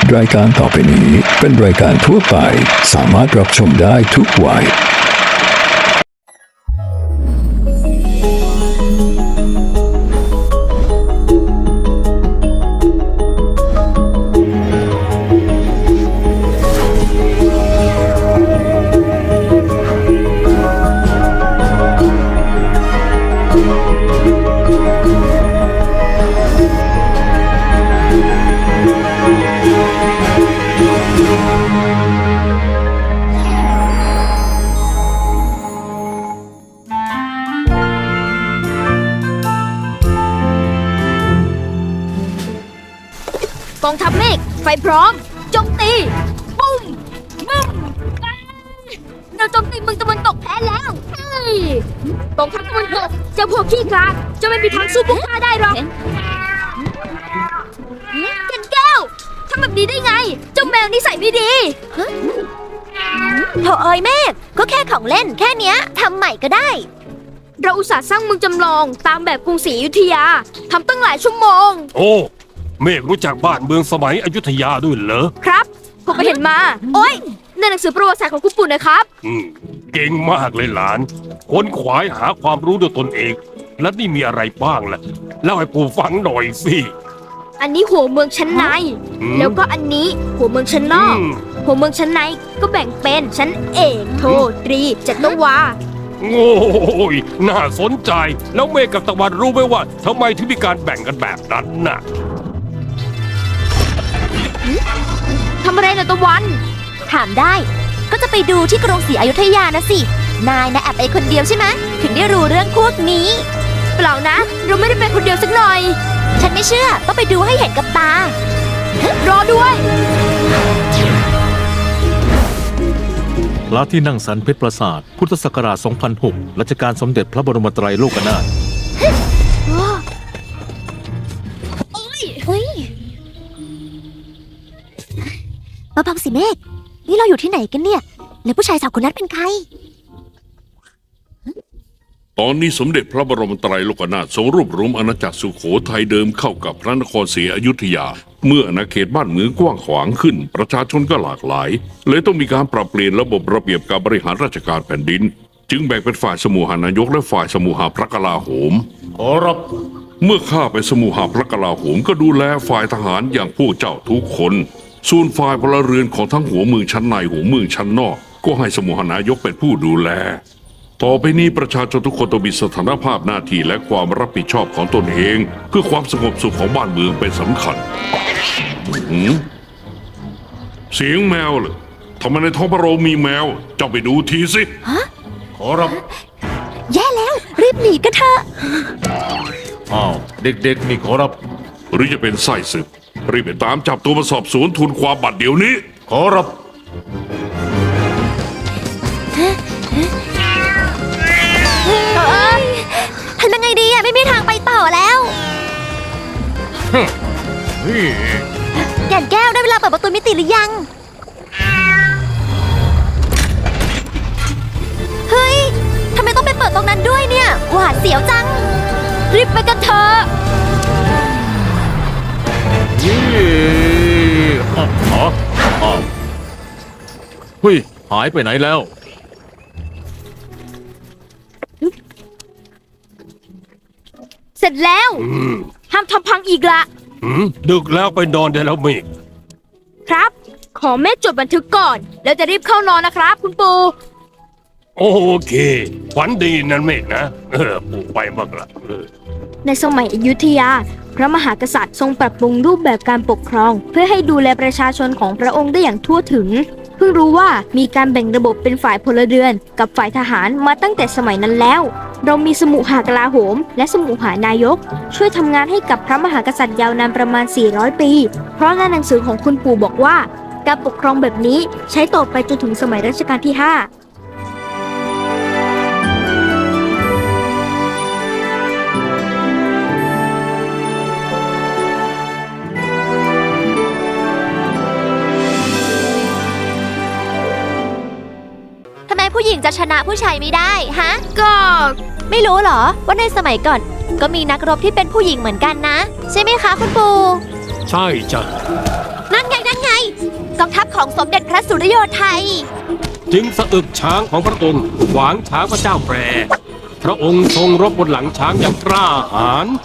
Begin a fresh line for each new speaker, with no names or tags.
รายการต่อไปนี้เป็นรายการทั่วไปสามารถรับชมได้ทุกวัย
กองทัพเมฆไฟพร้อมโจมตีปุ้มบึ้มเราโจมตีเมืองตะวันตกแพ้แล้วเฮ้ยกองทัพตะวันตกเจ้าพวกขี้คลาดจะไม่มีทางสู้พวกข้าได้หรอกแก่นแก้วทำแบบนี้ได้ไงเจ้าแมวนิสัยไม่ดี
โถเอ้ยเมฆก็แค่ของเล่นแค่เนี้ยทำใหม่ก็ได้
เราอุตส่าห์สร้างเมืองจำลองตามแบบกรุงศรีอยุธยาทำตั้งหลายชั่วโมง
โอ้เมฆรู้จักบ้านเมืองสมัยอยุธยาด้วยเหรอ
ครับผมไปเห็นมาโอ้ยในหนังสือประวัติศาสตร์ของคุณปู่นะครับ
เก่งมากเลยหลานค้นขวายหาความรู้ด้วยตนเองและนี่มีอะไรบ้างล่ะเล่าให้ปู่ฟังหน่อยสิ
อันนี้หัวเมืองชั้นในแล้วก็อันนี้หัวเมืองชั้นนอกหัวเมืองชั้นในก็แบ่งเป็นชั้นเอกโทตรีจัตวา
โอ้ยน่าสนใจแล้วเมฆกับตะวันรู้ไหมว่าทำไมถึงมีการแบ่งกันแบบนั้นน่ะ
ทำอะไรนะตะวัน
ถามได้ก็จะไปดูที่กรุงศรีอยุธยานะสินายนะแอบไปคนเดียวใช่ไหมถึงได้รู้เรื่องพวกนี้
เปล่านะเราไม่ได้ไปคนเดียวสักหน่อย
ฉันไม่เชื่อต้องไปดูให้เห็นกับตาร
อด้วย
พระที่นั่งสันเพชรปราสาทพุทธศักราช 2006 รัชกาลสมเด็จพระบรมไตรโลกนาถ
เฮ้ยมาพังสิเมฆนี่เราอยู่ที่ไหนกันเนี่ยแล้วผู้ชายสาวคนนั้นเป็นใคร
ตอนนี้สมเด็จพระบรมไตรโลกนาถทรงรวบรวมอาณาจักรสุโขทัยเดิมเข้ากับพระนครศรีอยุธยาเมื่ออาณาเขตบ้านเมืองกว้างขวางขึ้นประชาชนก็หลากหลายเลยต้องมีการปรับเปลี่ยนระบบระเบียบการบริหารราชการแผ่นดินจึงแบ่งเป็นฝ่ายสมุหานายกและฝ่ายสมุหาพระกลาโหม
ขอรับ
เมื่อข้าไปสมุหาพระกลาโหมก็ดูแลฝ่ายทหารอย่างพวกเจ้าทุกคนส่วนฝ่ายพลเรือนของทั้งหัวเมืองชั้นในหัวเมืองชั้นนอกก็ให้สมุหานายกเป็นผู้ดูแลต่อไปนี้ประชาชนทุกคนต้องมีสถานภาพหน้าที่และความรับผิดชอบของตนเองเพื่อความสงบสุขของบ้านเมืองเป็นสำคัญเสียงแมวเหรอทำไมในท้องพระโรงมีแมวเจ้าไปดูทีสิ
ขอรับ
แย่แล้วรีบหนีกันเถอะ
อ้าวเด็กๆนี่ขอรับ
หรือจะเป็นไส้ศึกรีบไปตามจับตัวมาสอบสวนทูลความบัดเดี๋ยวนี้
ขอรับ
ทำยังไงดีอะไม่มีทางไปต่อแล้วแก่นแก้วได้เวลาเปิดประตูมิติหรือยังเฮ้ยทำไมต้องไปเปิดตรงนั้นด้วยเนี่ยหวาดเสียวจัง
รีบไปกันเถอะ
เฮ้ยหายไปไหนแล้ว
เสร็จแล้วห้ามทำพังอีกละ
ดึกแล้วไปนอนได้แล้วเมฆ
ครับขอแม่จดบันทึกก่อนแล้วจะรีบเข้านอนนะครับคุณปู่
โอเคฝันดีนั่นเมฆนะปู่ไปบ้างละ
ในสมัยอยุธยาพระมหากษัตริย์ทรงปรับปรุงรูปแบบการปกครองเพื่อให้ดูแลประชาชนของพระองค์ได้อย่างทั่วถึงเพิ่งรู้ว่ามีการแบ่งระบบเป็นฝ่ายพลเรือนกับฝ่ายทหารมาตั้งแต่สมัยนั้นแล้วเรามีสมุหากลาโหมและสมุหานายกช่วยทำงานให้กับพระมหากษัตริย์ยาวนานประมาณ400ปีเพราะในหนังสือของคุณปู่บอกว่าการปกครองแบบนี้ใช้ต่อไปจนถึงสมัยรัชกาลที่5
ผู้หญิงจะชนะผู้ชายไม่ได้ฮะ
ก็
ไม่รู้เหรอว่าในสมัยก่อนก็มีนักรบที่เป็นผู้หญิงเหมือนกันนะใช่ไหมคะคุณปู่
ใช่จ้ะ
นั่นไง กองทัพของสมเด็จพระสุริโยไทย
จึงสะอึกช้างของพระองค์ขวางช้างพระเจ้าแปรพระองค์ทรงรบบนหลังช้างอย่างกล้าหาญ